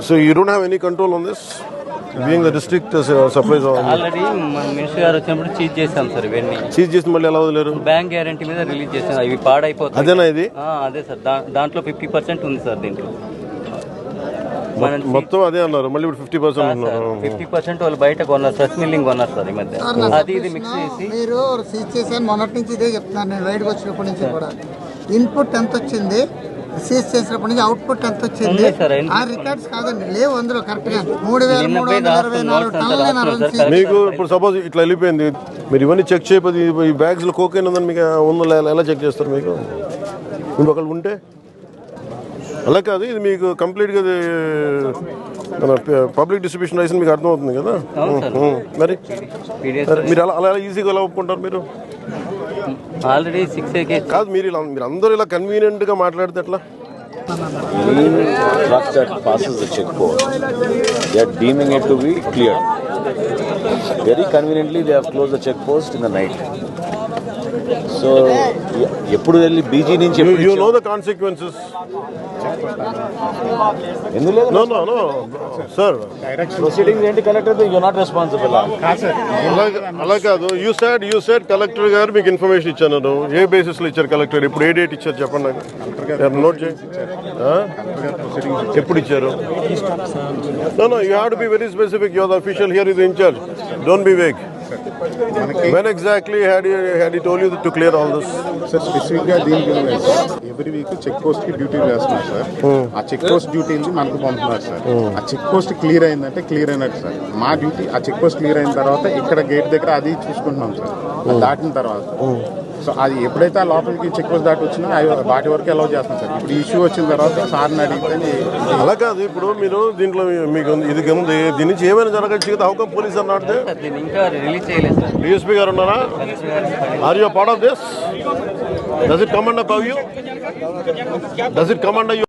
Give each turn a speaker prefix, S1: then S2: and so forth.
S1: So you don't have any control on this? Being the district supplies
S2: already మన minister గారు వచ్చినప్పుడు cheese చేశాం sir ఇవన్నీ.
S1: Cheese చేసి మళ్ళీ ఎలా వదిలేరు?
S2: బ్యాంక్ గ్యారంటీ మీద రిలీజ్ చేసాం. ఇవి పాడైపోతాయి.
S1: అదేనా ఇది?
S2: అదే సార్. దాంట్లో 50% ఉంది సార్ దీంట్లో.
S1: మొత్తం అదే అన్నారు. మళ్ళీ ఇప్పుడు 50% ఉన్నారు.
S2: 50% వాళ్ళు బయట కొన్నారు, ఫ్రెష్ మిల్లింగ్ కొన్నారు సార్ ఈ మధ్య. అది ఇది మిక్స్ చేసి
S3: మీరు సీజ్ చేశాను. మొన్నటి నుంచి ఇదే చెప్తున్నాను నేను, రైడ్కి వచ్చినప్పటి నుంచి కూడా. ఇన్పుట్ ఎంత వచ్చింది, సీజ్ చేసినప్పటి నుంచి అవుట్పుట్ ఎంత వచ్చింది, ఆ రికార్డ్స్ కాదండి లేవు అందులో. కరెక్ట్ గా 3,324 టన్నులు.
S1: మీకు ఇప్పుడు సపోజ్ ఇట్లా వెళ్ళిపోయింది, మీరు ఇవన్నీ చెక్ చేయకపోతే ఈ బ్యాగ్స్ లో కోకైన్ ఉందని మీకు ఉందో ఎలా చెక్ చేస్తారు? మీకు ఇంకొకళ్ళు ఉంటే అలా కాదు. ఇది మీకు కంప్లీట్గా మన పబ్లిక్ డిస్ట్రిబ్యూషన్ లైసెన్స్ మీకు అర్థమవుతుంది కదా. మరి మీరు అలా ఈజీగా ఎలా ఒప్పుకుంటారు? మీరు
S2: ఆల్రెడీ 6
S1: కాదు, మీరు అందరూ ఇలా కన్వీనియంట్గా మాట్లాడితే ఎట్లా?
S4: Truck that passes the checkpost, they are deeming it to be cleared. Very conveniently, they have closed the checkpost in the night. So, ఎప్పుడు వెళ్ళి బీజీ నుంచి
S1: you know the consequences. No, sir.
S4: Proceedings ఏంటి collector? You not responsible.
S1: అలా కాదు. You said collector గారు మీకు information ఇచ్చాను. ఏ basis లో ఇచ్చారు కలెక్టర్? ఇప్పుడు ఏ డేట్ ఇచ్చారు చెప్పండి నాకు. నోట్ చేయండి. ఎప్పుడు ఇచ్చారు? No, you have to be very specific. You are the official here, is in charge. Don't be vague. When exactly had he told you to clear all this?
S5: Sir స్పెసిఫిక్గా దీనికి every week check post కి duty వేస్తున్నారు sir. ఆ check post duty మనకు పంపుతున్నారు sir. ఆ check post clear అయిందంటే clear అయినట్టు సార్. మా డ్యూటీ ఆ చెక్ పోస్ట్ క్లియర్ అయిన తర్వాత ఇక్కడ గేట్ దగ్గర అది చూసుకుంటున్నాం సార్. దాటిన తర్వాత సో అది ఎప్పుడైతే ఆ లోపలికి చెక్ పోస్ట్ దాటి వచ్చినా వాటి వరకు అలౌ చేస్తాం సార్. ఇప్పుడు ఇష్యూ వచ్చిన తర్వాత సార్ని అడిగితే
S1: అలా కాదు. ఇప్పుడు మీరు దీంట్లో మీకు ఇది ఉంది, దీని నుంచి ఏమైనా జరగచ్చు కదా. హౌ కమ్ పోలీస్ అన్నాడు?
S2: ఇంకా రిలీజ్ చేయలేదు సార్.
S1: డిఎస్పీ గారు ఉన్నారా? Are you part of this? Does it come under you?